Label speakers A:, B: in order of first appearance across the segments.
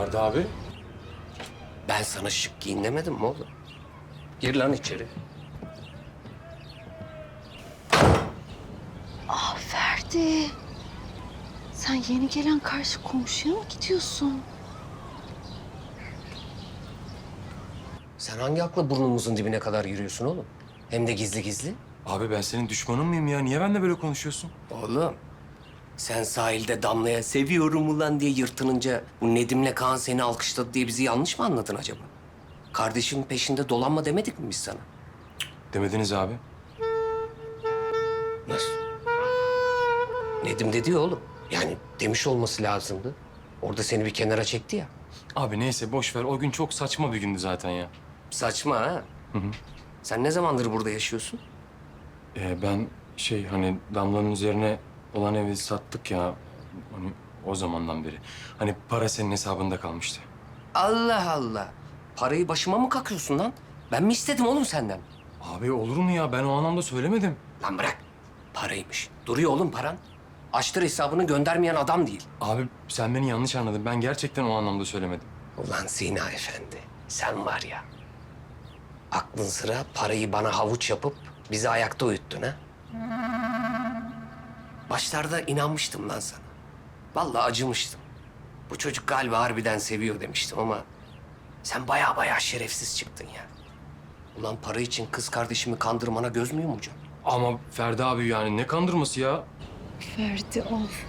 A: Ferdi abi.
B: Ben sana şık giyin demedim mi oğlum? Gir lan içeri.
C: Ferdi. Sen yeni gelen karşı komşuya mı gidiyorsun?
B: Sen hangi akla burnumuzun dibine kadar yürüyorsun oğlum? Hem de gizli gizli.
A: Abi ben senin düşmanın mıyım ya? Niye benimle böyle konuşuyorsun?
B: Oğlum, sen sahilde Damla'ya seviyorum ulan diye yırtınınca bu Nedim'le Kaan seni alkışladı diye bizi yanlış mı anladın acaba? Kardeşimin peşinde dolanma demedik mi biz sana?
A: Demediniz abi.
B: Nasıl? Nedim dedi ya oğlum. Yani demiş olması lazımdı. Orada seni bir kenara çekti ya.
A: Abi neyse boş ver. O gün çok saçma bir gündü zaten ya.
B: Saçma ha? Sen ne zamandır burada yaşıyorsun?
A: Ben hani Damla'nın üzerine olan evi sattık ya. Hani o zamandan beri. Hani para senin hesabında kalmıştı.
B: Allah Allah. Parayı başıma mı kakıyorsun lan? Ben mi istedim oğlum senden?
A: Abi olur mu ya? Ben o anlamda söylemedim.
B: Lan bırak. Paraymış. Duruyor oğlum paran. Açtır hesabını göndermeyen adam değil.
A: Abi sen beni yanlış anladın. Ben gerçekten o anlamda söylemedim.
B: Ulan Sina Efendi, sen var ya. Aklın sıra parayı bana havuç yapıp bizi ayakta uyuttun ha? Başlarda inanmıştım lan sana. Vallahi acımıştım. Bu çocuk galiba harbiden seviyor demiştim ama... sen baya şerefsiz çıktın ya. Ulan para için kız kardeşimi kandırmana göz mü yumacaksın?
A: Ama Ferdi abi yani ne kandırması ya?
C: Ferdi of.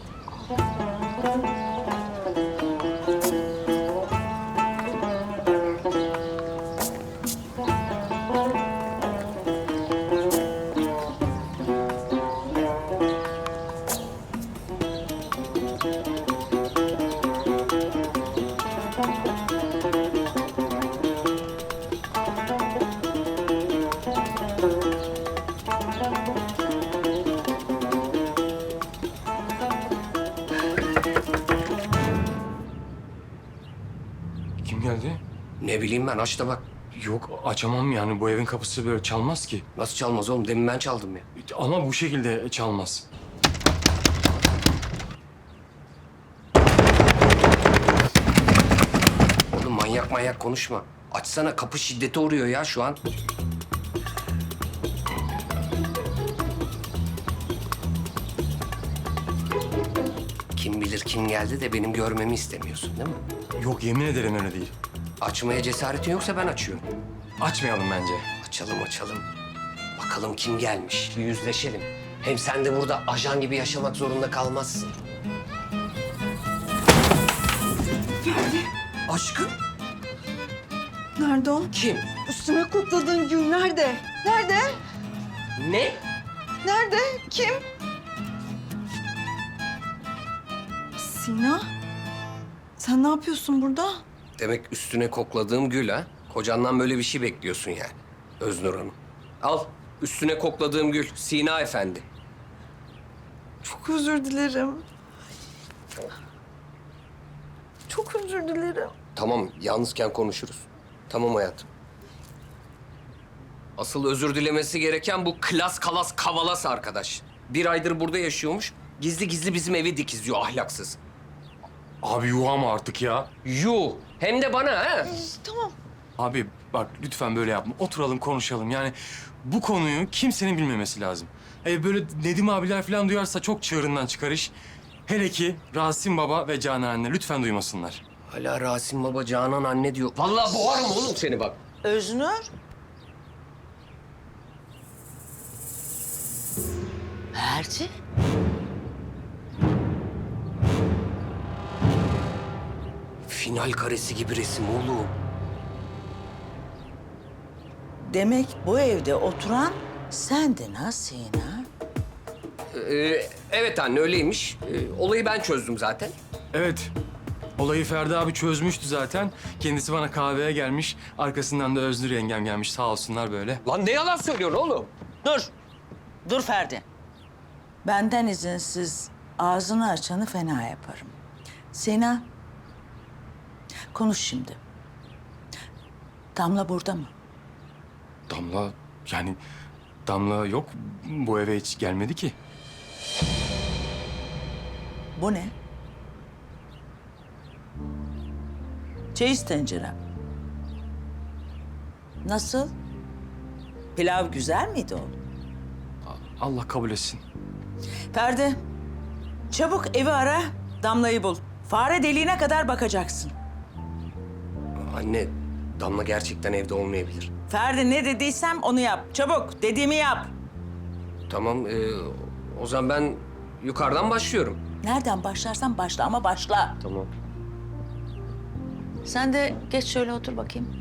A: Kim geldi?
B: Ne bileyim ben, aç da bak.
A: Yok açamam yani. Bu evin kapısı böyle çalmaz ki.
B: Nasıl çalmaz oğlum? Demin ben çaldım ya.
A: Ama bu şekilde çalmaz.
B: Oğlum manyak konuşma. Açsana, kapı şiddete uğruyor ya şu an. Kim bilir kim geldi de benim görmemi istemiyorsun değil mi?
A: Yok yemin ederim öyle değil.
B: Açmaya cesaretin yoksa ben açıyorum.
A: Açmayalım bence.
B: Açalım. Bakalım kim gelmiş, bir yüzleşelim. Hem sen de burada ajan gibi yaşamak zorunda kalmazsın. Aşkım,
C: Nerede o?
B: kim?
C: Üstüme kokladığın gül nerede? Nerede?
B: Ne?
C: Nerede? Kim? Sina? Sen ne yapıyorsun burada?
B: Demek üstüne kokladığım gül ha? Kocandan böyle bir şey bekliyorsun yani. Öznur Hanım. Al, üstüne kokladığım gül. Sina Efendi.
C: Çok özür dilerim. Çok özür dilerim.
B: Tamam, yalnızken konuşuruz. Tamam hayatım. Asıl özür dilemesi gereken bu klas kalas kavalas arkadaş. Bir aydır burada yaşıyormuş. Gizli gizli bizim evi dikizliyor ahlaksız.
A: Abi yuh ama artık ya.
B: Yuh! Hem de bana ha?
C: Tamam.
A: Abi bak lütfen böyle yapma. Oturalım konuşalım. Yani bu konuyu kimsenin bilmemesi lazım. Böyle Nedim abiler falan duyarsa çok çığırından çıkar iş. Hele ki Rasim Baba ve Canan anne lütfen duymasınlar.
B: Hala Rasim Baba, Canan anne diyor. Vallahi boğarım oğlum seni bak.
D: Öznur. Ferdi.
B: Final karesi gibi resim oğlum.
D: Demek bu evde oturan sendin ha Sina?
B: Evet anne, öyleymiş. Olayı ben çözdüm zaten.
A: Evet. Olayı Ferdi abi çözmüştü zaten. Kendisi bana kahveye gelmiş. Arkasından da Öznur yengem gelmiş. Sağ olsunlar böyle.
B: Lan ne yalan söylüyorsun oğlum?
D: Dur. Dur Ferdi. Benden izinsiz ağzını açanı fena yaparım. Sina, konuş şimdi. Damla burada mı?
A: Damla yok. Bu eve hiç gelmedi ki.
D: Bu ne? Çeyiz tencerem. Nasıl? Pilav güzel miydi oğlum?
A: Allah kabul etsin.
D: Ferdi, çabuk evi ara, Damla'yı bul. Fare deliğine kadar bakacaksın.
B: Anne, Damla gerçekten evde olmayabilir.
D: Ferdi ne dediysem onu yap. Çabuk dediğimi yap.
B: Tamam, o zaman ben yukarıdan başlıyorum.
D: Nereden başlarsan başla ama başla.
B: Tamam.
D: Sen de geç şöyle otur bakayım.